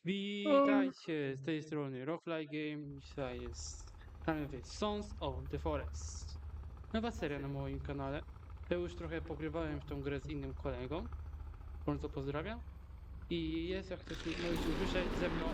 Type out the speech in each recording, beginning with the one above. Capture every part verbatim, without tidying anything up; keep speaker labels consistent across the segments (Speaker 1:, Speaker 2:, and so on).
Speaker 1: Witajcie z tej strony Rockfly Game. Dzisiaj jest gramy w Sons of the Forest. Nowa seria na moim kanale. Ja już trochę pogrywałem w tą grę z innym kolegą. Bardzo pozdrawiam. I jest, jak ktoś nie może usłyszeć, ze mną.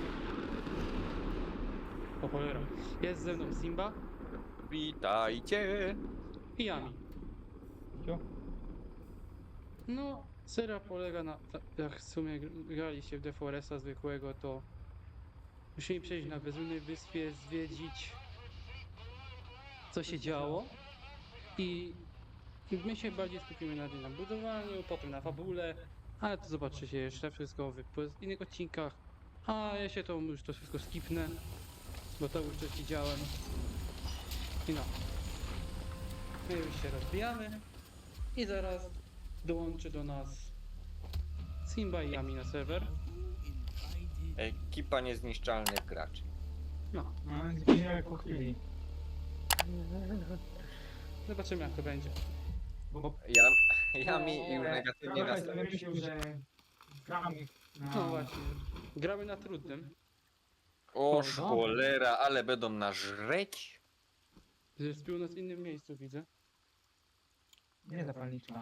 Speaker 1: O cholera. Jest ze mną Simba
Speaker 2: Witajcie!
Speaker 1: i Yami.
Speaker 3: Jo.
Speaker 1: No, seria polega na. Jak w sumie graliście w The Foresta zwykłego, to musimy przejść na bezludnej wyspie, zwiedzić, co się działo. I my się bardziej skupimy na, na budowaniu, potem na fabule, ale to zobaczycie jeszcze wszystko w innych odcinkach. A ja się to już to wszystko skipnę, bo to już coś widziałem. I no. My już się rozbijamy i zaraz dołączy do nas Simba i Yami na serwer.
Speaker 2: Ekipa niezniszczalnych graczy.
Speaker 1: No,
Speaker 3: No, zginęły po chwili.
Speaker 1: zobaczymy jak to będzie.
Speaker 3: Bo
Speaker 2: Ja, ja mi już negatywnie
Speaker 3: trochę sobie
Speaker 2: nastawiłem.
Speaker 3: myślał, że gramy na...
Speaker 1: No właśnie, gramy na trudnym.
Speaker 2: O
Speaker 1: O,
Speaker 2: cholera, ale będą nas żreć.
Speaker 1: Zrespił nas w innym miejscu, widzę.
Speaker 3: Nie zapalniczka.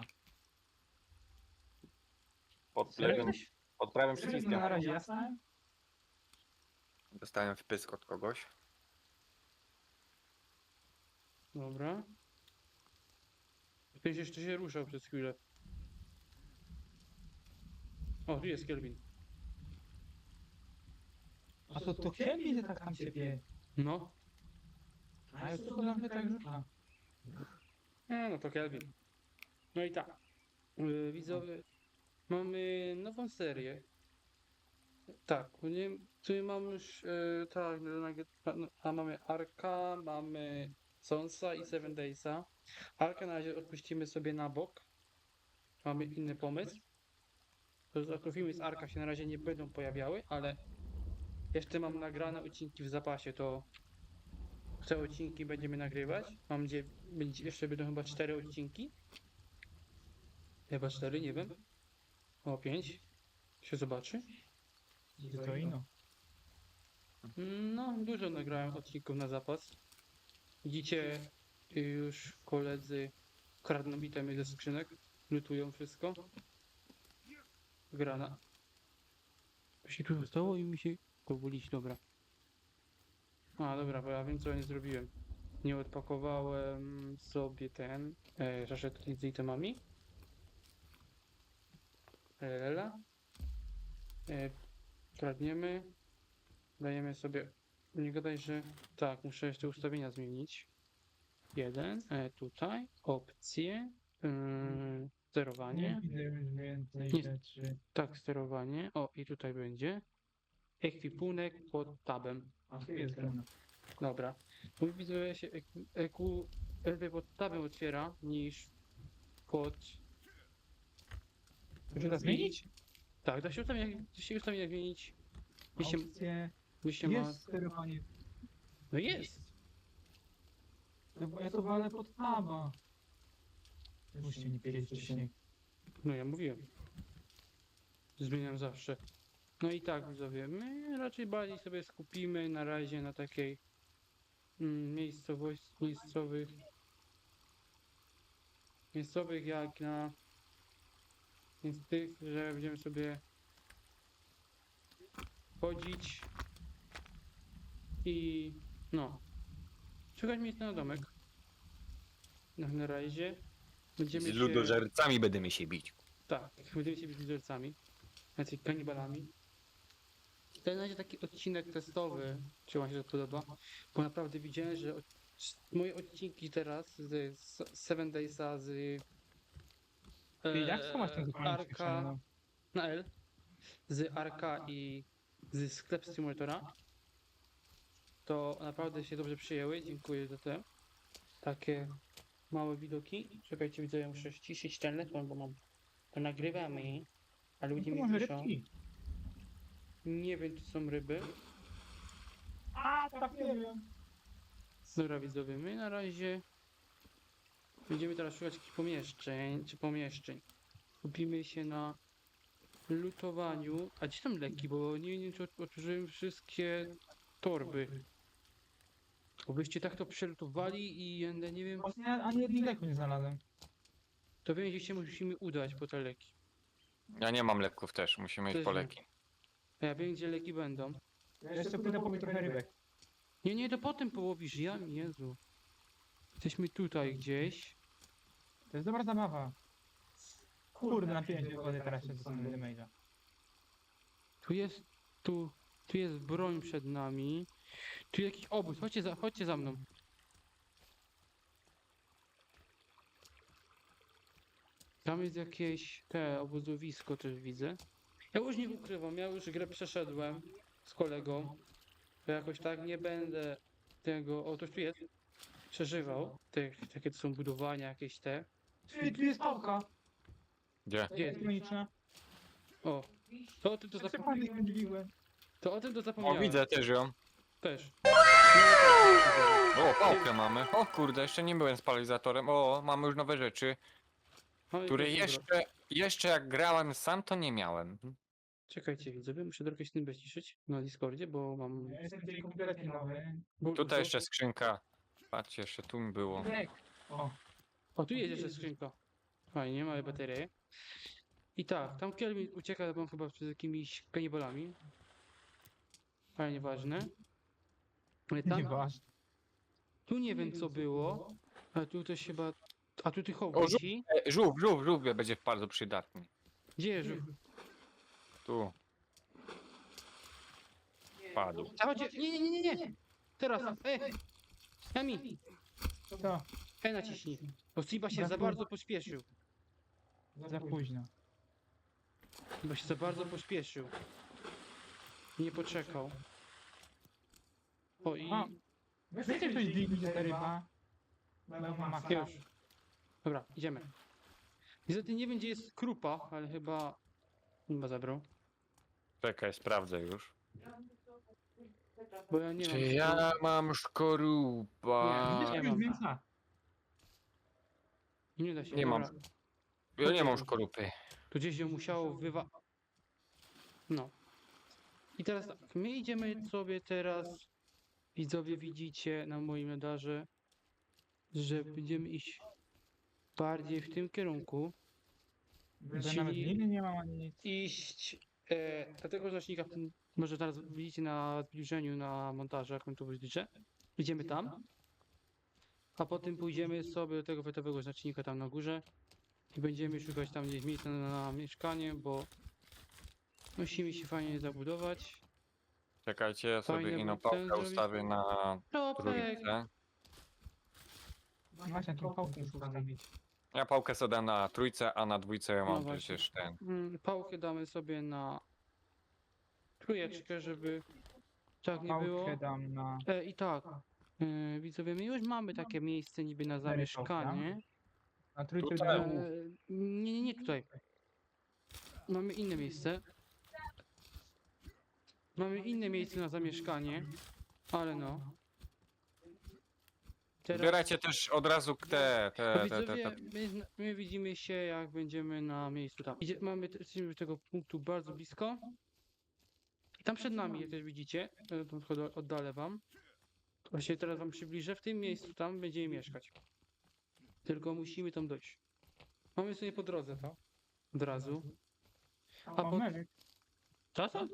Speaker 2: Pod
Speaker 3: Serio?
Speaker 2: prawym, pod prawym
Speaker 3: Wszystko
Speaker 2: przyciskiem.
Speaker 3: na razie jasne?
Speaker 2: Dostałem wpysk od kogoś.
Speaker 1: Dobra. Ktoś jeszcze się ruszał przez chwilę. O, tu jest Kelvin.
Speaker 3: A to to chcieli, że tak tam ciebie.
Speaker 1: No.
Speaker 3: A już to na mnie tak rzuca.
Speaker 1: E, no to Kelvin. No i tak. Yy, widzowie, mamy nową serię. Tak, nie, tu mamy już, yy, tak, na- a mamy Arka, mamy Sonsa i Seven Daysa. Arka na razie odpuścimy sobie na bok. Mamy inny pomysł. To znaczy, filmy z Arka się na razie nie będą pojawiały, ale jeszcze mam nagrane odcinki w zapasie, to te odcinki będziemy nagrywać. Mam nadzieję, będzie, jeszcze będą chyba cztery odcinki. Chyba cztery, nie wiem. O, pięć. Się zobaczy.
Speaker 3: I to ino.
Speaker 1: No, dużo nagrałem odcinków na zapas. Widzicie, już koledzy kradną itemy ze skrzynek, lutują wszystko. Grana. Się tu stało i mi się pobulić, dobra. A, dobra, bo ja wiem co ja nie zrobiłem. Nie odpakowałem sobie ten e, żaszetki z itemami. Lela. E, kradniemy. Dajemy sobie. Nie gadaj, że. Tak, muszę jeszcze ustawienia zmienić. Jeden. E, tutaj. Opcje. Yy, sterowanie.
Speaker 3: Nie widzę już więcej
Speaker 1: Nie.
Speaker 3: rzeczy.
Speaker 1: Tak, sterowanie. O, i tutaj będzie. Ekwipunek pod tabem.
Speaker 3: A tu jest grana.
Speaker 1: Dobra. Mój widzę się eku, eku, lepiej pod tabem otwiera niż pod.
Speaker 3: Muszę to zmienić?
Speaker 1: Tak, da się ustawienia, da się ustawienia zmienić. Jeśli,
Speaker 3: Opcje.
Speaker 1: jeśli ma.
Speaker 3: Jest sterowanie.
Speaker 1: No jest.
Speaker 3: No bo ja to walę pod taba. Musicie nie wiedzieć wcześniej.
Speaker 1: No ja mówiłem. Zmieniam zawsze. No i tak, widzowie, my raczej bardziej sobie skupimy na razie na takiej mm, miejscowości, miejscowych, miejscowych jak na więc tych, że będziemy sobie chodzić i no, szukać miejsca na domek. Na, na razie będziemy
Speaker 2: Z
Speaker 1: się,
Speaker 2: ludożercami będziemy się bić.
Speaker 1: tak, będziemy się bić z ludzercami, jacyś kanibalami. To na razie taki odcinek testowy, czy wam się to podoba, bo naprawdę widziałem, że od, moje odcinki teraz z, z Seven Daysa, z
Speaker 3: Ty, jak to masz ten zupełnie
Speaker 1: Arka
Speaker 3: przyspieszony?
Speaker 1: na L, z Arka i z Sklep Simulatora, to naprawdę się dobrze przyjęły, dziękuję za te takie małe widoki. Czekajcie, widzę, ja muszę ściszyć telefon, bo mam to nagrywamy, a ludzie
Speaker 3: To
Speaker 1: mi
Speaker 3: może
Speaker 1: piszą.
Speaker 3: rybki.
Speaker 1: Nie wiem, czy są ryby.
Speaker 3: A, tak nie wiem.
Speaker 1: Dobra, widzowie, my na razie będziemy teraz szukać jakichś pomieszczeń, czy pomieszczeń. Skupimy się na lutowaniu. A gdzie są leki? Bo nie wiem, czy ot- otworzyłem wszystkie torby. Bo byście tak to przelutowali i ja nie wiem,
Speaker 3: Właśnie ani jednego leku nie znalazłem.
Speaker 1: to wiem, gdzie się musimy udać po te leki.
Speaker 2: Ja nie mam leków też, musimy iść
Speaker 1: Też
Speaker 2: po
Speaker 1: nie.
Speaker 2: leki.
Speaker 1: A ja wiem, gdzie leki będą.
Speaker 3: Ja jeszcze pójdę pobić trochę rybek.
Speaker 1: Nie, nie, to potem połowisz. Ja, Jezu. Jesteśmy tutaj gdzieś.
Speaker 3: To jest dobra zabawa. Kurde, napiłem się wody, teraz się dostanę damage'a.
Speaker 1: Tu jest, tu, tu jest broń przed nami. Tu jakiś obóz. Chodźcie za, chodźcie za mną. Tam jest jakieś te obozowisko też widzę. Ja już nie ukrywam, ja już grę przeszedłem z kolegą. To jakoś tak nie będę tego. O, to tu jest. Przeżywał. Te, takie to są budowania jakieś te.
Speaker 3: Ty, tu jest pałka.
Speaker 2: Gdzie?
Speaker 1: Gdzie?
Speaker 3: Elektroniczna.
Speaker 1: O. To o tym to,
Speaker 3: Co
Speaker 1: zapo-
Speaker 3: pan nie dźwigłem?
Speaker 1: to o tym to
Speaker 2: O,
Speaker 1: zapomniałem.
Speaker 2: widzę też ją.
Speaker 1: Też.
Speaker 2: O, pałkę mamy. O kurde, jeszcze nie byłem z paralizatorem. O, mamy już nowe rzeczy,
Speaker 1: Mamy
Speaker 2: które
Speaker 1: pierwszą broń.
Speaker 2: jeszcze, jeszcze jak grałem sam, to nie miałem.
Speaker 1: Czekajcie, widzowie, muszę trochę się tym bezciszyć na Discordzie, bo mam...
Speaker 3: Ja jestem dzisiaj kompletnie nowy.
Speaker 1: bo-
Speaker 2: Tutaj
Speaker 1: bo-
Speaker 2: jeszcze skrzynka. Patrzcie, jeszcze tu mi było.
Speaker 3: Lek. O,
Speaker 1: O, tu jest jeszcze skrzynka. Fajnie, mamy baterię. I tak, tam Kelvin ucieka, bo on chyba przed jakimiś kanibalami. Ale nieważne. Ale tam,
Speaker 3: nieważne.
Speaker 1: tu nie wiem co było, ale tu też chyba... A tu tych
Speaker 2: O,
Speaker 1: wisi.
Speaker 2: E, żółw, żółw, żółw będzie bardzo przydatny.
Speaker 1: Gdzie jest żółw?
Speaker 2: Tu. Padł.
Speaker 1: A chodźcie, nie, nie, nie, nie, nie! Teraz, e! Yami,
Speaker 3: Co?
Speaker 1: e naciśnij. Bo Siba się za bardzo pośpieszył.
Speaker 3: Za późno.
Speaker 1: Bo się za bardzo pośpieszył. Nie poczekał. O i...
Speaker 3: A, Wiecie, ktoś dźwignie te ryba? Bo mam maka.
Speaker 1: Już. Dobra, idziemy. Niestety nie wiem gdzie jest krupa, ale chyba... Chyba zabrał.
Speaker 2: Czekaj, sprawdzę już.
Speaker 1: Bo ja nie mam...
Speaker 2: Czy ja mam szkorupa?
Speaker 1: Nie,
Speaker 3: Nie
Speaker 1: mam.
Speaker 3: mam. Mięsa.
Speaker 1: Nie da się.
Speaker 2: Nie mam.
Speaker 1: dobra.
Speaker 2: Ja nie mam szkorupy.
Speaker 1: Tu gdzieś ją musiało wywa... No. I teraz tak, my idziemy sobie teraz... Widzowie widzicie na moim radarze, że będziemy iść bardziej w tym kierunku.
Speaker 3: Że
Speaker 1: Czyli-
Speaker 3: nawet gliny nie mam ani nic.
Speaker 1: Iść e, do tego znacznika, m, może teraz widzicie na zbliżeniu na montażu, jak on tu zbliżę. Idziemy tam, a potem pójdziemy sobie do tego wetowego znacznika tam na górze i będziemy szukać tam gdzieś miejsca na, na mieszkanie, bo musimy się fajnie zabudować.
Speaker 2: Czekajcie, ja sobie
Speaker 1: Fajnie,
Speaker 2: inną
Speaker 1: bo chcę
Speaker 2: pałkę
Speaker 1: zrobić-
Speaker 2: ustawię na
Speaker 1: Topek!
Speaker 2: trójce.
Speaker 3: Właśnie, jaką pałkę muszę ustawić.
Speaker 2: Ja pałkę sobie dam na trójce, a na dwójce ja
Speaker 1: No
Speaker 2: mam
Speaker 1: właśnie.
Speaker 2: przecież ten.
Speaker 1: Mm, Pałkę damy sobie na trójeczkę, żeby tak nie było.
Speaker 3: Pałkę dam na...
Speaker 1: E, I tak, e, widzowie, my już mamy takie miejsce niby na
Speaker 3: Cztery
Speaker 1: zamieszkanie.
Speaker 3: Na trójce
Speaker 2: Tutaj.
Speaker 3: dam
Speaker 1: E,
Speaker 3: łuk.
Speaker 1: nie, nie, nie tutaj. Mamy inne miejsce. Mamy inne miejsce na zamieszkanie, ale no. Teraz,
Speaker 2: Zbierajcie też od razu te,
Speaker 1: to
Speaker 2: te, te, te,
Speaker 1: widzowie,
Speaker 2: te.
Speaker 1: my, zna- my widzimy się jak będziemy na miejscu tam. Idzie, mamy te- jesteśmy do tego punktu bardzo blisko. I tam przed nami, jak też widzicie, e, to tylko oddalę wam. Właśnie teraz wam przybliżę, w tym miejscu tam będziemy mieszkać. Tylko musimy tam dojść. Mamy sobie po drodze to. Od razu.
Speaker 3: A
Speaker 1: po-
Speaker 3: po... Menek.
Speaker 1: Co to?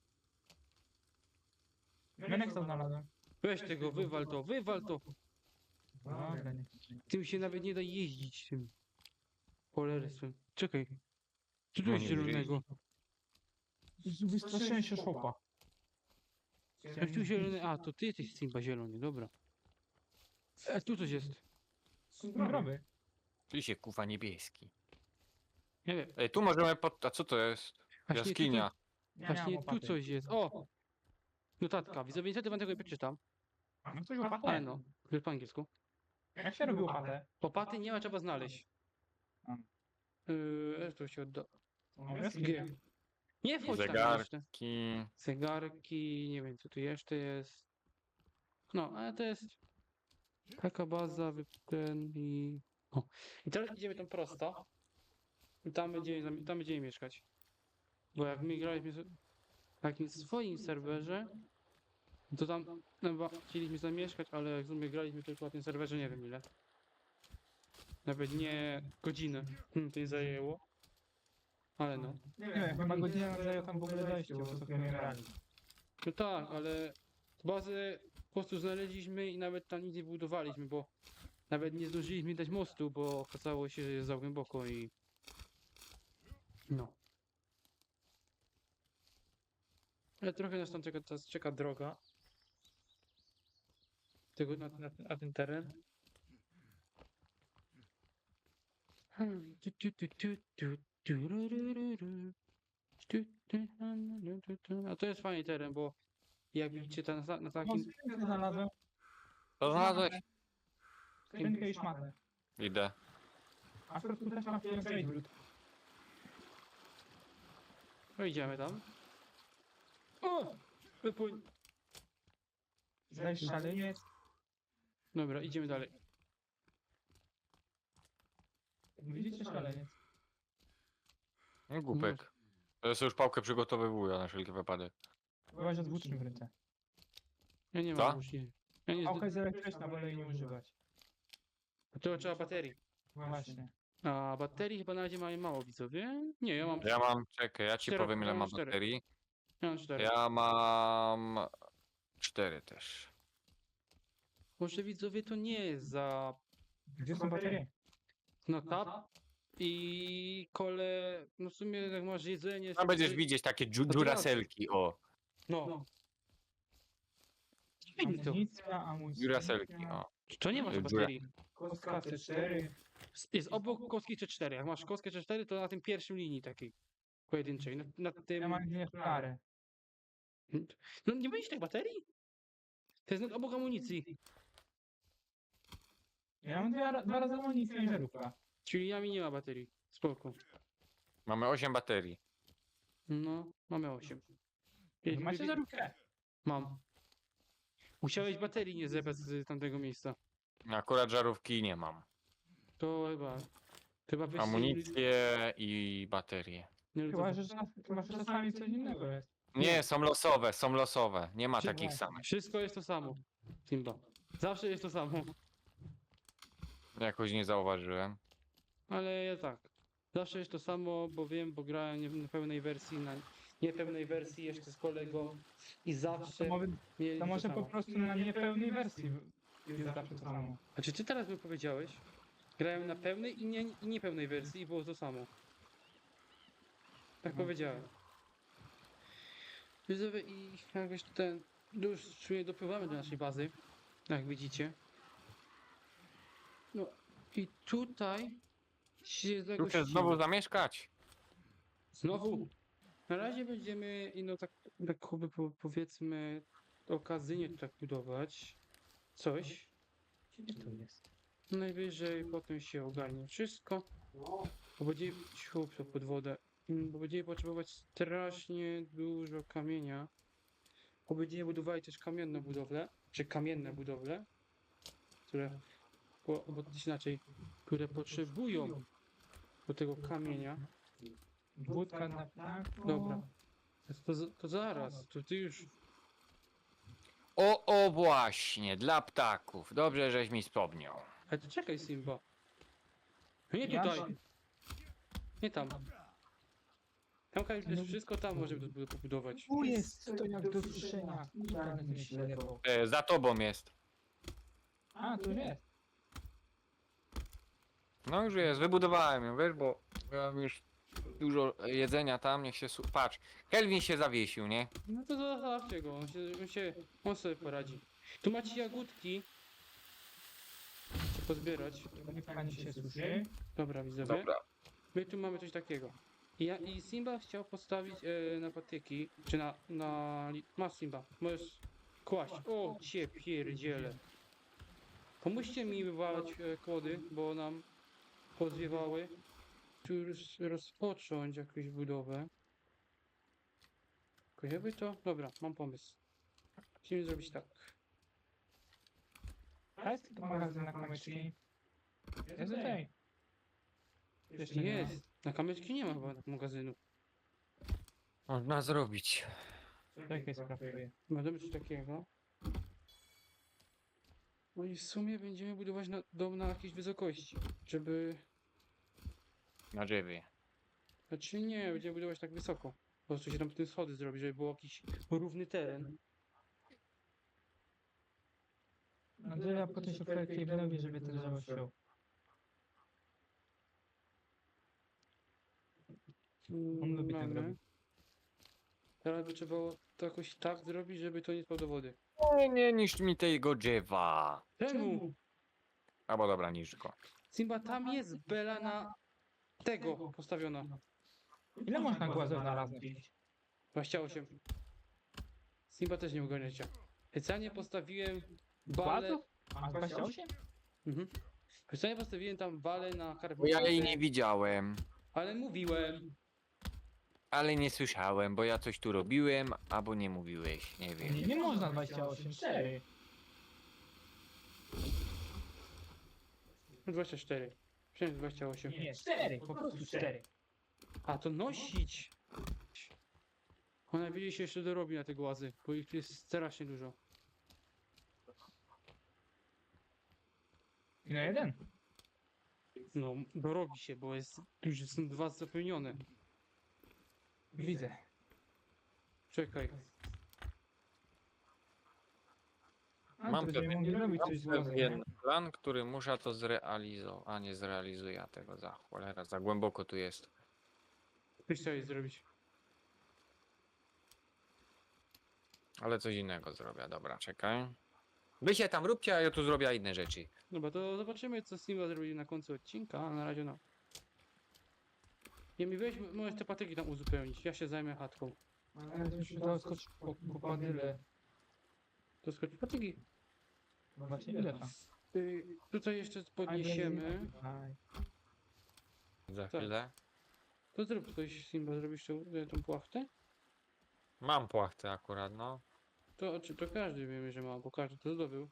Speaker 3: Menek co znalazłem.
Speaker 1: Weź tego, wywal to, wywal to.
Speaker 3: Dobra, nie.
Speaker 1: Tym się nawet nie da jeździć tym. Cholerstwem. Czekaj. Co tu
Speaker 2: No
Speaker 1: jest
Speaker 2: nie
Speaker 1: zielonego?
Speaker 3: Wystraszyłem się szopa.
Speaker 1: Jak tu zielony? A, to ty jesteś Simba zielony, dobra. A tu coś jest.
Speaker 3: Zdrowy.
Speaker 2: Ty się kuwa niebieski.
Speaker 1: Nie wiem.
Speaker 2: Ej, tu możemy pod... A co to jest?
Speaker 1: Właśnie
Speaker 2: Jaskinia.
Speaker 1: Tutaj, właśnie tu coś jest. O! Notatka. Widzowie, niestety wam tego nie przeczytam.
Speaker 3: No coś łopatę.
Speaker 1: Ale no, to jest po angielsku.
Speaker 3: Jak się robi łopatę?
Speaker 1: Łopaty nie ma, trzeba znaleźć.
Speaker 3: A.
Speaker 1: Yy, to się odda.
Speaker 3: No, jest
Speaker 1: G. Nie wchodź tam jeszcze.
Speaker 2: Zegarki.
Speaker 1: Zegarki, nie wiem co tu jeszcze jest. No, ale to jest taka baza, wy- ten i... O. I teraz idziemy tam prosto. I tam będziemy, zam- tam będziemy mieszkać. Bo jak my graliśmy z- na jakimś swoim serwerze, to tam no, chyba chcieliśmy zamieszkać, ale jak my graliśmy tylko na tym serwerze, nie wiem ile. Nawet nie godzinę hmm, to nie zajęło. Ale no.
Speaker 3: Nie wiem, chyba godzinę nam zajęło tam w ogóle dojście, bo co my grali.
Speaker 1: No tak, ale bazę po prostu znaleźliśmy i nawet tam nic nie budowaliśmy, bo nawet nie zdążyliśmy dać mostu, bo okazało się, że jest za głęboko i... No. Ale trochę nas tam czeka, teraz czeka droga. Tego, na, na, na ten teren. Hmm, tu, tu, tu, tu, tu, turururu. Tu, tu, tu, tu, tu. A to jest fajny teren, bo jak widzicie tam na, na
Speaker 3: No,
Speaker 1: takim...
Speaker 3: skrzynkę znalazłem.
Speaker 2: To znalazłeś?
Speaker 3: Skrzynkę i szmatę.
Speaker 2: Idę.
Speaker 3: A w środku też mam pierwszy wrót.
Speaker 1: No idziemy tam. O! Wypłyń.
Speaker 3: Zdajesz szaleniec.
Speaker 1: Dobra, idziemy dalej.
Speaker 3: Widzicie szaleniec?
Speaker 2: No, głupek. Ja sobie już pałkę przygotowywuję na wszelki wypadek.
Speaker 3: Byłaś z włócznym w ręce.
Speaker 1: Ja nie
Speaker 2: Co?
Speaker 1: mam włóczni. Ja nie
Speaker 3: Pałka jest elektryczna, wolę jej nie używać.
Speaker 1: To trzeba baterii.
Speaker 3: Właśnie.
Speaker 1: A baterii chyba na razie mamy mało, widzowie. Nie, ja mam,
Speaker 2: Ja mam, czekaj, ja ci
Speaker 1: Cztero-
Speaker 2: powiem ile
Speaker 1: ja mam
Speaker 2: mam
Speaker 1: cztery.
Speaker 2: baterii.
Speaker 1: ja mam cztery.
Speaker 2: Ja mam cztery też.
Speaker 1: Może widzowie to nie jest za...
Speaker 3: Gdzie są baterie?
Speaker 1: No tap i kole... No w sumie jak masz jedzenie...
Speaker 2: Tam będziesz
Speaker 1: to-
Speaker 2: widzieć takie dżu-
Speaker 1: to
Speaker 2: duraselki, o.
Speaker 1: No. Fajnie to.
Speaker 3: Amunicja, amunicja.
Speaker 2: Duraselki, o.
Speaker 1: To nie masz
Speaker 2: Dziura.
Speaker 1: baterii.
Speaker 3: Kostka C cztery.
Speaker 1: Jest obok kostki C cztery. Jak masz kostkę C cztery, to na tym pierwszym linii takiej pojedynczej. Na, na tym...
Speaker 3: Ja mam dwie flary.
Speaker 1: No nie będziesz tych baterii? To jest nad obok amunicji.
Speaker 3: Ja mam dwa, dwa razy amunicję i żarówka.
Speaker 1: Czyli ja mi nie ma baterii. Spoko.
Speaker 2: Mamy osiem baterii.
Speaker 1: No, mamy osiem.
Speaker 3: Macie żarówkę?
Speaker 1: Mam. Musiałeś baterii nie zebrać z tamtego miejsca.
Speaker 2: Akurat żarówki nie mam.
Speaker 1: To chyba... Chyba byście
Speaker 2: Amunicję i baterie.
Speaker 1: nie
Speaker 3: Chyba,
Speaker 1: lutowa-
Speaker 3: że czas- chyba, że czasami coś innego jest.
Speaker 2: Nie, są losowe, są losowe. Nie ma
Speaker 1: Czy-
Speaker 2: takich samych.
Speaker 1: Wszystko jest to samo. Simba. Zawsze jest to samo.
Speaker 2: Jakoś nie zauważyłem.
Speaker 1: Ale ja tak. Zawsze jest to samo, bo wiem, bo grałem nie- na pełnej wersji, na niepełnej wersji jeszcze z kolegą i zawsze
Speaker 3: To, może-
Speaker 1: mieli
Speaker 3: to
Speaker 1: to
Speaker 3: może po
Speaker 1: samo.
Speaker 3: prostu na niepełnej wersji jest zawsze to samo.
Speaker 1: A czy ty teraz mi powiedziałeś? Grałem na pełnej i, nie, i niepełnej wersji i było to samo. Tak
Speaker 3: Mhm.
Speaker 1: powiedziałem. Widzowie i jakoś ten... Już w sumie dopływamy do naszej bazy, jak widzicie. No i tutaj się
Speaker 2: Tu
Speaker 1: zagościmy.
Speaker 2: chcesz znowu zamieszkać?
Speaker 1: Znowu? Na razie będziemy, i no tak, tak jakby po- powiedzmy, okazyjnie tu tak budować coś.
Speaker 3: Gdzie to jest?
Speaker 1: Najwyżej potem się ogarnie wszystko. Bo będziemy, ciu, to pod wodę. Mm, Bo będziemy potrzebować strasznie dużo kamienia. Bo będziemy budowali też kamienne budowle, czy kamienne budowle, które, bo, bo też inaczej, które potrzebują do tego kamienia.
Speaker 3: Wódka na ptaku.
Speaker 1: Dobra. To, to, to zaraz, to ty już.
Speaker 2: O, o właśnie, dla ptaków. Dobrze, żeś mi wspomniał.
Speaker 1: Ale to czekaj, Simba. No nie
Speaker 3: Ja
Speaker 1: tutaj,
Speaker 3: się-
Speaker 1: nie tam. Tam Kamil, jest wszystko, tam możemy to pobudować.
Speaker 3: Tu jest to jak do suszenia. Ja będę ślepo.
Speaker 2: E, za tobą jest.
Speaker 3: A, tu jest.
Speaker 2: No już jest, wybudowałem ją, wiesz, bo ja mam już dużo jedzenia tam, niech się... su- Patrz, Kelvin się zawiesił, nie?
Speaker 1: No to zostawcie go, on się, on się, on sobie poradzi. Tu macie jagódki. Chcę pozbierać.
Speaker 3: Niech pani się suszy.
Speaker 1: Dobra, widzowie.
Speaker 2: Dobra.
Speaker 1: My tu mamy coś takiego. I, ja, i Simba chciał postawić e, na patyki, czy na, na... li- Masz Simba, możesz kłaść. O, cię pierdziele. Pomóżcie mi wywalać e, kłody, bo nam pozwiewały. Tu już rozpocząć jakąś budowę. Tylko jakby to... Dobra, mam pomysł. Musimy zrobić tak.
Speaker 3: A jest to magazyn na kamyczki. Jest okej. Jeszcze nie ma.
Speaker 1: Jest. Na kamyczki nie ma chyba magazynu.
Speaker 2: można zrobić.
Speaker 3: Czekaj, skraftuję.
Speaker 1: Będziemy coś takiego. No i w sumie będziemy budować na, dom na jakiejś wysokości, żeby...
Speaker 2: Na drzewie.
Speaker 1: Znaczy nie, będziemy budować tak wysoko. Po prostu się tam w tym schody zrobi, żeby był jakiś równy teren.
Speaker 3: Andrzeja potem się projektuje w nowie, żeby ten drzewo ściął.
Speaker 1: Mm,
Speaker 3: On lubi tak
Speaker 1: Mamy.
Speaker 3: robić.
Speaker 1: Teraz by trzeba było to jakoś tak zrobić, żeby to nie spadło do wody.
Speaker 2: Nie, nie niszcz mi tego drzewa.
Speaker 1: Czemu?
Speaker 2: Albo dobra, niszcz go.
Speaker 1: Simba, tam jest bela na tego postawiona.
Speaker 3: Ile można głazów na raz nosić?
Speaker 1: dwadzieścia osiem. Simba też nie ogarniacie. Specjalnie postawiłem balę...
Speaker 3: Głazów? A dwadzieścia osiem?
Speaker 1: Mhm. Specjalnie postawiłem tam balę na
Speaker 2: Bo
Speaker 1: karbonatę,
Speaker 2: ja jej nie widziałem.
Speaker 1: ale mówiłem.
Speaker 2: Ale nie słyszałem, bo ja coś tu robiłem, albo nie mówiłeś, nie wiem.
Speaker 3: Nie, nie można dwadzieścia osiem, cztery.
Speaker 1: dwadzieścia cztery. Przynajmniej dwadzieścia osiem.
Speaker 3: Nie, cztery, po prostu cztery.
Speaker 1: A to nosić! Ona wiedzieć się jeszcze dorobi na te głazy, bo ich tu jest strasznie dużo.
Speaker 3: I na jeden.
Speaker 1: No, dorobi się, bo jest już są dwa zapełnione.
Speaker 3: Widzę.
Speaker 1: Czekaj.
Speaker 3: A,
Speaker 2: Mam
Speaker 3: to będziemy mogli robić coś z głazem, nie?
Speaker 2: pewien plan, który muszę to zrealizować. A nie zrealizuję tego za cholera, za głęboko tu jest.
Speaker 1: Coś chciałeś zrobić.
Speaker 2: Ale coś innego zrobię, dobra, czekaj. Wy się tam róbcie, a ja tu zrobię inne rzeczy.
Speaker 1: Dobra, to zobaczymy, co Simba zrobi na końcu odcinka, a na razie no. Nie mi weź, możesz te patyki tam uzupełnić, ja się zajmę chatką.
Speaker 3: Ale to się dało skoczyć po, po padyle.
Speaker 1: To skoczy patyki.
Speaker 3: No właśnie, ile tam?
Speaker 1: Y, tutaj jeszcze podniesiemy.
Speaker 3: Aj.
Speaker 2: Za
Speaker 1: Tak.
Speaker 2: chwilę.
Speaker 1: To zrób coś, Simba, zrobisz tą, tą płachtę?
Speaker 2: Mam płachtę akurat, no.
Speaker 1: To, czy to każdy wiemy, że ma, bo każdy to zdobył.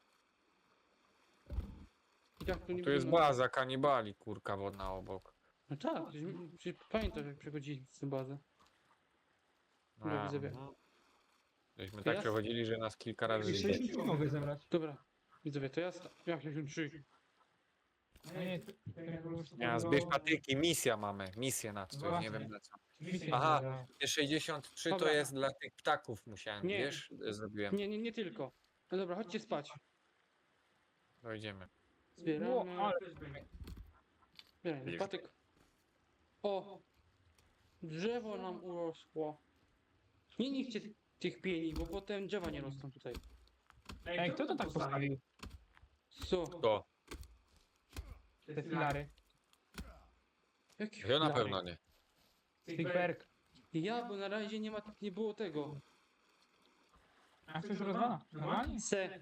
Speaker 1: I tak tu nie
Speaker 2: Tu jest
Speaker 1: będziemy-
Speaker 2: baza kanibali, kurka wodna obok.
Speaker 1: No tak, przecież, przecież pamiętasz jak przechodziliśmy z tą bazę. Dobra,
Speaker 2: A,
Speaker 1: widzowie.
Speaker 2: mhm. Żeśmy
Speaker 1: To
Speaker 2: tak
Speaker 1: ja-
Speaker 2: przechodzili, że nas kilka razy
Speaker 3: Jeszcze
Speaker 2: zjedli.
Speaker 3: nie mogę zebrać.
Speaker 1: Dobra, widzowie, to ja sta- jak się trzy.
Speaker 3: No nie, to, to ja po prostu
Speaker 2: Ja, zbierz patyki, misja mamy, misję na coś, nie
Speaker 3: Właśnie.
Speaker 2: wiem na co.
Speaker 3: Misję
Speaker 2: Aha.
Speaker 3: zebrałem.
Speaker 2: Te sześćdziesiąt trzy to
Speaker 1: Dobra.
Speaker 2: jest dla tych ptaków musiałem,
Speaker 1: Nie.
Speaker 2: wiesz, zrobiłem.
Speaker 1: Nie, nie, nie tylko. No dobra, chodźcie spać.
Speaker 2: Dojdziemy.
Speaker 1: Zbieramy.
Speaker 3: Ło, ale...
Speaker 1: Zbieramy patyk. O! Drzewo nam urosło. Nie niszcie tych pieni, bo potem drzewa nie rosną tutaj.
Speaker 3: Ej, kto to tak postawił?
Speaker 1: Co?
Speaker 2: To,
Speaker 3: Te filary.
Speaker 1: Jaki
Speaker 2: ja na
Speaker 1: filar?
Speaker 2: pewno nie.
Speaker 3: Stickberg.
Speaker 1: Ja, bo na razie nie ma, nie było tego.
Speaker 3: A coś rozwala? Normalnie?
Speaker 1: Se.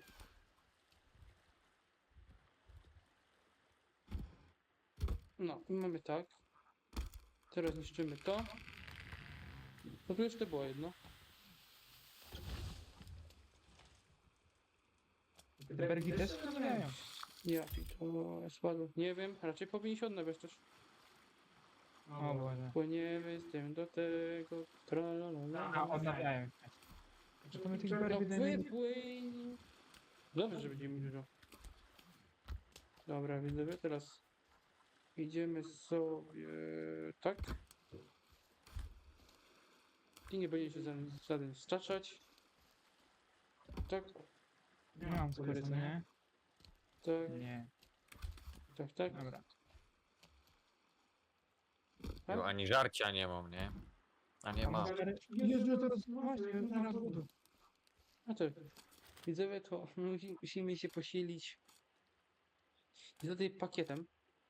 Speaker 1: No, i mamy tak. Teraz niszczymy to. No tu jeszcze było jedno.
Speaker 3: Te bergi też się rozwijają.
Speaker 1: Jaki to spadło? Nie wiem, raczej powinien się odnawiać też.
Speaker 3: O Boże.
Speaker 1: Płyniemy z tym do tego.
Speaker 3: A,
Speaker 1: Tralalala.
Speaker 3: odnawiają się. Czy to my tych
Speaker 1: No
Speaker 3: bergi dajemy?
Speaker 1: wypłyń. Dobrze, że będziemy mieli dużo. Dobra, widzowie, teraz idziemy sobie tak. I nie będzie się żaden, żaden staczać. Tak,
Speaker 3: Nie mam skóry, co nie?
Speaker 1: tak,
Speaker 3: Nie.
Speaker 1: tak, tak.
Speaker 3: Dobra.
Speaker 1: tak.
Speaker 2: Jo, ani żarcia nie mam, nie? A nie ma.
Speaker 3: Jezu, teraz właśnie, zaraz budu.
Speaker 1: No to widzowie, to musi- musimy się posilić z tutaj pakietem.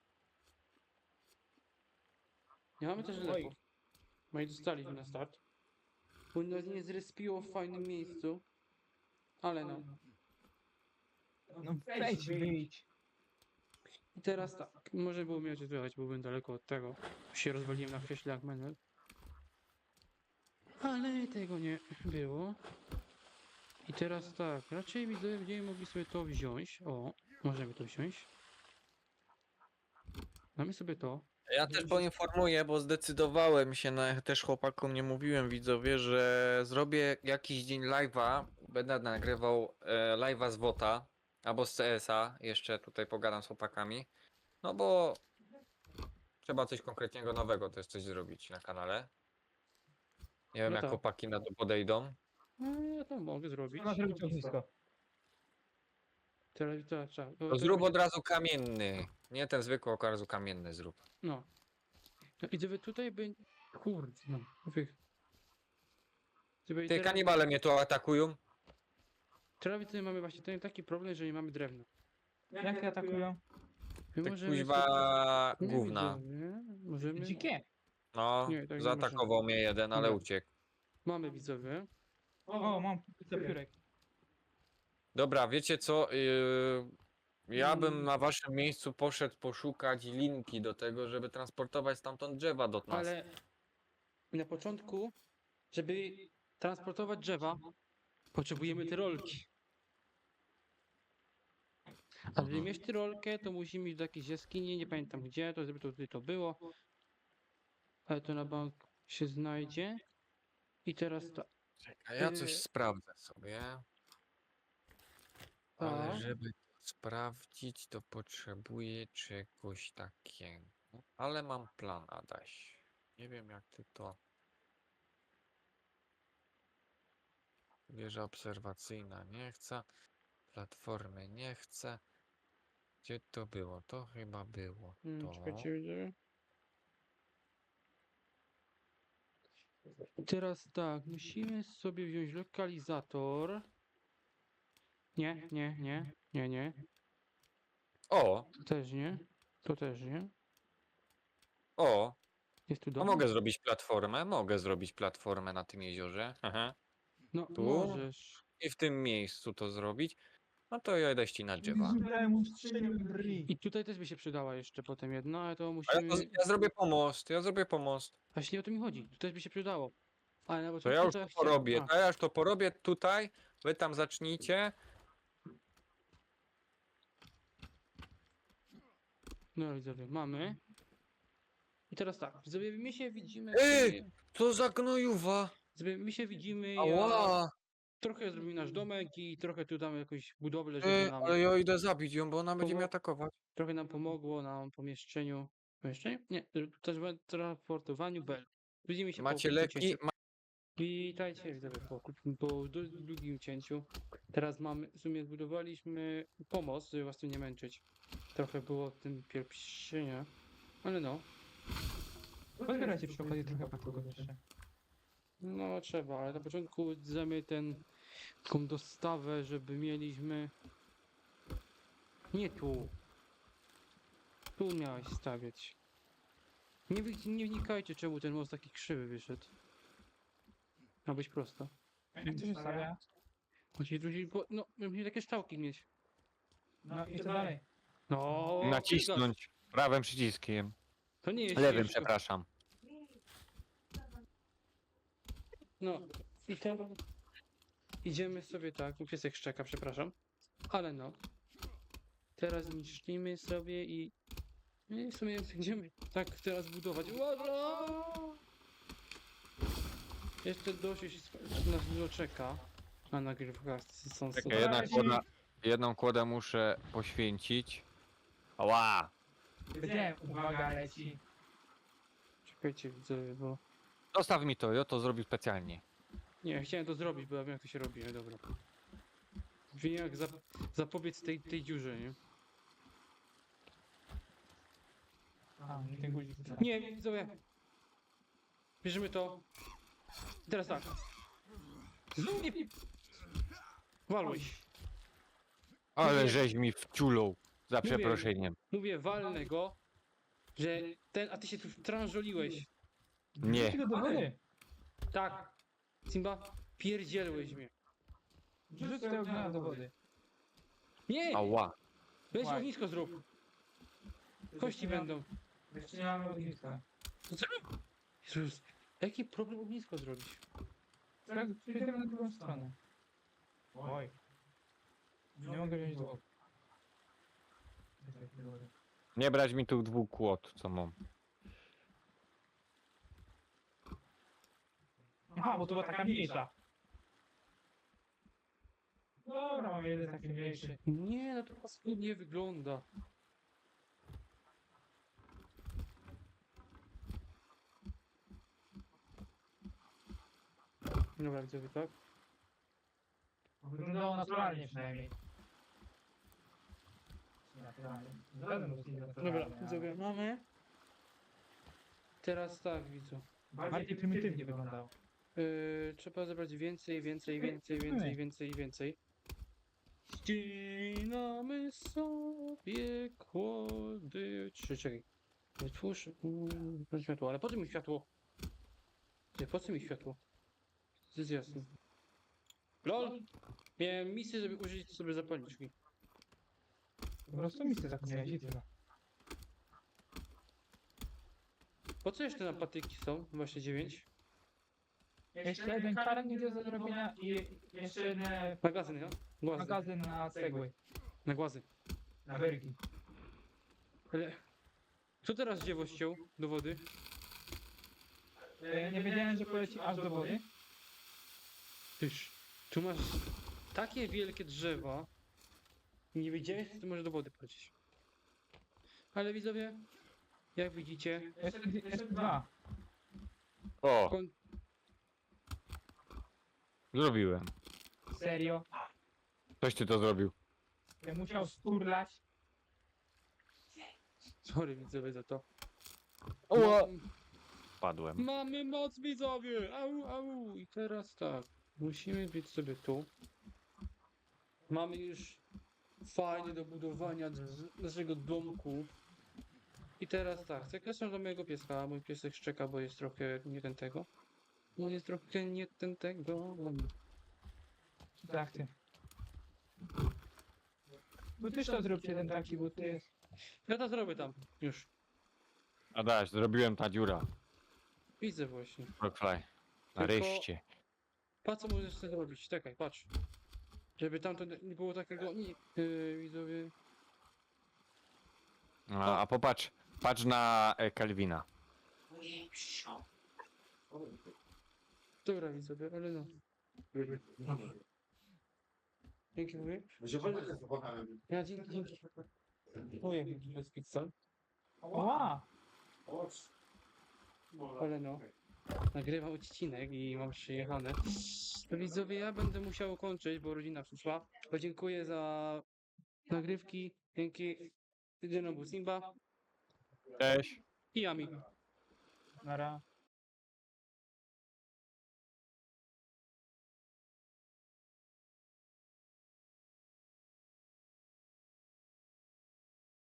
Speaker 1: Nie mamy też leków. No i dostaliśmy na start. Bo nas nie zrespiło w fajnym miejscu. Ale no.
Speaker 3: No wejdź, wyjdź.
Speaker 1: I teraz tak. Może było mnie odczytywać, bo byłem daleko od tego. Się rozwaliłem na krześle jak menel. Ale tego nie było. I teraz tak. Raczej widzę, będziemy mogli sobie to wziąć. O, możemy to wziąć. Mamy sobie to.
Speaker 2: Ja też poinformuję, bo zdecydowałem się na, też chłopakom nie mówiłem widzowie, że zrobię jakiś dzień live'a, będę nagrywał e, live'a z WOTA albo z C S a, jeszcze tutaj pogadam z chłopakami, no bo trzeba coś konkretnego nowego też coś zrobić na kanale. Nie wiem
Speaker 1: No
Speaker 2: jak
Speaker 1: tak.
Speaker 2: chłopaki na to podejdą.
Speaker 1: No, ja to mogę zrobić.
Speaker 3: Trzeba zrobić ognisko.
Speaker 1: Teraz tak, tak. bo
Speaker 2: To
Speaker 1: to
Speaker 2: zrób
Speaker 1: będzie-
Speaker 2: od razu kamienny, nie ten zwykły, od razu kamienny zrób.
Speaker 1: No. No i gdyby tutaj by... Kurde, no. Wy... Gdyby
Speaker 2: Ty
Speaker 1: teraz...
Speaker 2: kanibale mnie tu atakują.
Speaker 1: Teraz tutaj mamy właśnie ten taki problem, że nie mamy drewna.
Speaker 3: Jak te atakują?
Speaker 1: My
Speaker 2: Ty
Speaker 1: możemy
Speaker 2: kuźwa
Speaker 1: sobie... Nie
Speaker 2: gówna.
Speaker 1: widzę, nie? Możemy...
Speaker 3: Dzikie.
Speaker 2: No,
Speaker 1: Nie, tak nie
Speaker 2: zaatakował mnie jeden, ale
Speaker 1: Dobra.
Speaker 2: uciekł.
Speaker 1: Mamy widzowie.
Speaker 3: O, mam piórek.
Speaker 2: Dobra, wiecie co? Yy, ja bym
Speaker 1: Mm.
Speaker 2: na waszym miejscu poszedł poszukać linki do tego, żeby transportować stamtąd drzewa do nas.
Speaker 1: Ale na początku, żeby transportować drzewa, potrzebujemy tyrolki. A żeby
Speaker 2: Mhm.
Speaker 1: mieć tyrolkę, to musimy iść do jakiejś jaskini, nie pamiętam gdzie, to żeby to tutaj to było. Ale to na bank się znajdzie. I teraz tak.
Speaker 2: A ja coś
Speaker 1: Yy.
Speaker 2: sprawdzę sobie. Ale
Speaker 1: Tak.
Speaker 2: żeby to sprawdzić, to potrzebuję czegoś takiego. Ale mam plan, Adaś. Nie wiem jak ty to... Wieża obserwacyjna nie chce. Platformy nie chce. Gdzie to było? To chyba było
Speaker 1: Hmm,
Speaker 2: to.
Speaker 1: czekajcie, widzę. I teraz tak, musimy sobie wziąć lokalizator. Nie, nie, nie, nie, nie.
Speaker 2: O!
Speaker 1: To też nie. To też nie.
Speaker 2: O!
Speaker 1: Jest tu
Speaker 2: A
Speaker 1: dom?
Speaker 2: mogę zrobić platformę? Mogę zrobić platformę na tym jeziorze. Aha.
Speaker 1: No,
Speaker 2: Tu?
Speaker 1: możesz.
Speaker 2: I w tym miejscu to zrobić. No to ja idę ścinać drzewa.
Speaker 3: Dałem mu strzeliłem bri.
Speaker 1: I tutaj też by się przydała jeszcze potem jedna, ale to
Speaker 2: A ja,
Speaker 1: musimy...
Speaker 2: to, ja zrobię pomost, ja zrobię pomost.
Speaker 1: Właśnie o to mi chodzi. Tu też by się przydało. Ale na
Speaker 2: To
Speaker 1: początku
Speaker 2: ja już
Speaker 1: trzeba
Speaker 2: to porobię.
Speaker 1: A,
Speaker 2: To ja już to porobię tutaj. Wy tam zacznijcie.
Speaker 1: no widzowie, mamy. I teraz tak, widzowie, my się widzimy...
Speaker 2: Ej!
Speaker 1: sobie-
Speaker 2: Co za gnojuwa!
Speaker 1: Widzowie, my się widzimy, ja...
Speaker 2: Ała!
Speaker 1: Trochę zrobimy nasz domek i trochę tu damy jakąś budowlę, żeby
Speaker 2: Ej,
Speaker 1: nam...
Speaker 2: ale ja idę zabić ją, bo ona będzie mnie
Speaker 1: Powo-
Speaker 2: atakować.
Speaker 1: Trochę nam pomogło na pomieszczeniu... Pomieszczeniu? Nie, też w transportowaniu bel. Widzimy się
Speaker 2: Macie
Speaker 1: po krótkim
Speaker 2: leki?
Speaker 1: cięciu. Witajcie widzowie po, krótkim- po du- długim cięciu. Teraz mamy, w sumie zbudowaliśmy pomost, żeby was tu nie męczyć. Trochę było w tym pierścienia, ale no,
Speaker 3: Pozbierajcie przy okazji trochę patyków jeszcze.
Speaker 1: no trzeba, ale na początku zamy ten, taką dostawę, żeby mieliśmy... Nie tu. Tu miałeś stawiać. Nie, wi- nie wnikajcie czemu ten most taki krzywy wyszedł. Ma być prosto.
Speaker 3: Jak to się stawia?
Speaker 1: Musi, musi, bo, no, musi takie szczałki mieć.
Speaker 3: No i co dalej?
Speaker 1: No,
Speaker 2: Nacisnąć prawym przyciskiem.
Speaker 1: to nie jest
Speaker 2: Lewym,
Speaker 1: ciężko.
Speaker 2: przepraszam.
Speaker 1: No i teraz idziemy sobie tak, mój piesek szczeka, przepraszam, ale no. Teraz niszczymy sobie i, i w sumie będziemy tak teraz budować. Uwaga! Jeszcze dość nas dużo czeka na nagrywkach. Są
Speaker 2: Czekaj, jedna kłoda, jedną kłodę muszę poświęcić. Ała!
Speaker 3: Gdzie? Uwaga, leci.
Speaker 1: Czekajcie widzowie, bo...
Speaker 2: Zostaw mi to, ja to zrobił specjalnie.
Speaker 1: Nie, chciałem to zrobić, bo ja wiem jak to się robi, ale dobra. Wiem jak zap zapobiec tej, tej dziurze, nie?
Speaker 3: A, nie ten guzik.
Speaker 1: Nie, widzowie. Bierzemy to. Teraz tak. Znów nie... Walłeś.
Speaker 2: Ale
Speaker 1: Mówię-
Speaker 2: żeś mi wciulął. Za
Speaker 1: Mówię-
Speaker 2: przeproszeniem.
Speaker 1: Mówię, walnę go, że ten... A ty się tu tranżoliłeś.
Speaker 2: Nie.
Speaker 3: Wrzuć go do wody.
Speaker 1: Tak. Simba, pierdzielłeś mnie.
Speaker 3: Wrzuć tego gnoja do wody.
Speaker 1: Nie!
Speaker 2: Ała.
Speaker 1: Weź
Speaker 3: Łaj.
Speaker 1: ognisko zrób. Kości będą.
Speaker 3: Jeszcze nie mamy ogniska.
Speaker 1: To co? Jezus, jaki problem ognisko zrobić?
Speaker 3: Tak, przejdziemy na drugą stronę. Oj. Nie mogę wziąć do wody.
Speaker 2: Nie brać mi tu dwóch kłod, co mam.
Speaker 3: Aha, bo to była taka mniejsza. Dobra, mam jeden taki mniejszy.
Speaker 1: Nie, no to paskudnie wygląda. Dobra, widzowie, tak?
Speaker 3: Wyglądało naturalnie przynajmniej. Naturalnie. Zgadzam się z tym
Speaker 1: Dobra,
Speaker 3: naturalnie,
Speaker 1: widzowie,
Speaker 3: ale
Speaker 1: mamy. Teraz tak, widzu.
Speaker 3: bardziej prymitywnie wyglądało.
Speaker 1: Yy, trzeba zebrać więcej, więcej, więcej, więcej, więcej, więcej. Ścinamy sobie kłody. Czy czekaj. Wytwórz. Mm, światło, ale po co mi światło? Nie, po co mi światło? To jest jasne. LOL! Miałem misję, żeby użyć sobie zapalniczki.
Speaker 3: Po prostu misję zapomniałeś i tyle.
Speaker 1: Po co jeszcze na patyki są? Właśnie dziewięć.
Speaker 3: Jeszcze jeden karnik do zrobienia i jeszcze jeden
Speaker 1: Magazyn, ja? Głazy.
Speaker 3: magazyn na cegły,
Speaker 1: Na głazy.
Speaker 3: na wyrki.
Speaker 1: Ale... Co teraz dziewo ściął do wody?
Speaker 3: E, Nie wiedziałem, że poleci aż do wody.
Speaker 1: Tyż, tu masz takie wielkie drzewa. Nie wiedziałeś, że to może do wody polecieć. Ale widzowie, jak widzicie,
Speaker 3: Jeszcze, jeszcze dwa.
Speaker 2: O,
Speaker 1: kon...
Speaker 2: zrobiłem.
Speaker 3: Serio.
Speaker 2: Ktoś ty to zrobił.
Speaker 3: Ja musiał sturlać.
Speaker 1: Sorry widzowie za to.
Speaker 2: O!
Speaker 1: Mam-
Speaker 2: Padłem.
Speaker 1: Mamy moc widzowie! Au, au! I teraz tak, musimy być sobie tu. Mamy już fajnie do budowania drz- naszego domku. I teraz tak, zapraszam do mojego pieska. Mój piesek szczeka, bo jest trochę nie ten tego. On jest trochę nie ten tego.
Speaker 3: Tak, ty. Bo też to zrób jeden taki, bo ty jest.
Speaker 1: Ja to zrobię tam, już.
Speaker 2: Adaś, zrobiłem ta dziura.
Speaker 1: Widzę właśnie.
Speaker 2: Rockfly. Nareszcie.
Speaker 1: Patrz co możesz sobie zrobić, czekaj, patrz. Żeby tam to nie było takiego, nie, yy, widzowie.
Speaker 2: A, a popatrz, patrz na e, Kelvina.
Speaker 1: Dobra widzowie, ale no. Dzięki mówię. Ja dzięki, dzięki. Mówię, to jest pizza.
Speaker 3: Ła!
Speaker 1: Ale no. Nagrywam odcinek i mam przyjechane. To widzowie, ja będę musiał kończyć, bo rodzina przyszła. Podziękuję za nagrywki. Dzięki. Tydzień był Simba
Speaker 2: Cześć.
Speaker 1: i Ami.
Speaker 3: Nara.